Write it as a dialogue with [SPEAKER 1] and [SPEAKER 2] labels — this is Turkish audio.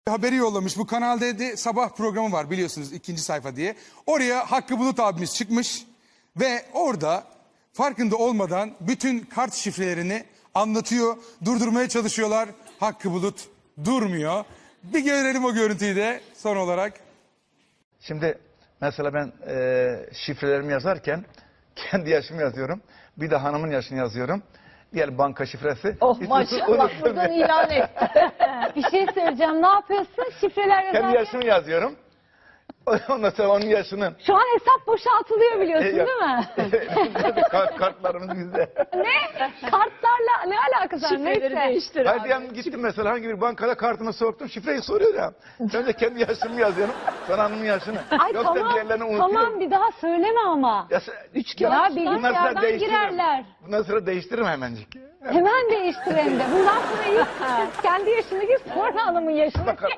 [SPEAKER 1] Haberi yollamış. Bu Kanal D'de sabah programı var biliyorsunuz, ikinci sayfa diye. Oraya Hakkı Bulut abimiz çıkmış ve orada farkında olmadan bütün kart şifrelerini anlatıyor. Durdurmaya çalışıyorlar. Hakkı Bulut durmuyor. Bir görelim o görüntüyü de son olarak.
[SPEAKER 2] Şimdi mesela ben şifrelerimi yazarken kendi yaşımı yazıyorum. Bir de hanımın yaşını yazıyorum. Diğer banka şifresi.
[SPEAKER 3] Oh maşallah, buradan ilan et.
[SPEAKER 4] Bir şey söyleyeceğim. Ne yapıyorsun? Şifreler
[SPEAKER 2] Kendi
[SPEAKER 4] yazarken.
[SPEAKER 2] yaşımı yazıyorum. Ondan sonra onun yaşını.
[SPEAKER 4] Şu an hesap boşaltılıyor biliyorsun
[SPEAKER 2] Yok.
[SPEAKER 4] değil mi?
[SPEAKER 2] Kartlarımız bizde.
[SPEAKER 4] Ne? Kartlarla ne alakası var?
[SPEAKER 3] Şifreleri
[SPEAKER 4] Neyse.
[SPEAKER 3] değiştir
[SPEAKER 2] Hayır
[SPEAKER 3] abi.
[SPEAKER 2] diyelim gittim mesela hangi bir bankada kartımı soktum. Şifreyi soruyor ya. Ben de kendi yaşımı yazıyorum. Sonra hanımın yaşını.
[SPEAKER 4] Ay
[SPEAKER 2] Yoksa
[SPEAKER 4] tamam,
[SPEAKER 2] diğerlerini unutuyorum.
[SPEAKER 4] tamam bir daha söyleme ama.
[SPEAKER 2] Ya,
[SPEAKER 4] Ya
[SPEAKER 2] bundan sonra
[SPEAKER 4] bilgisayardan
[SPEAKER 2] değiştiririm.
[SPEAKER 4] girerler.
[SPEAKER 2] Bundan sonra değiştiririm hemencik.
[SPEAKER 4] Hemen değiştir hem de. Bundan sonra ilk kendi yaşını gir, sonra hanımın yaşını.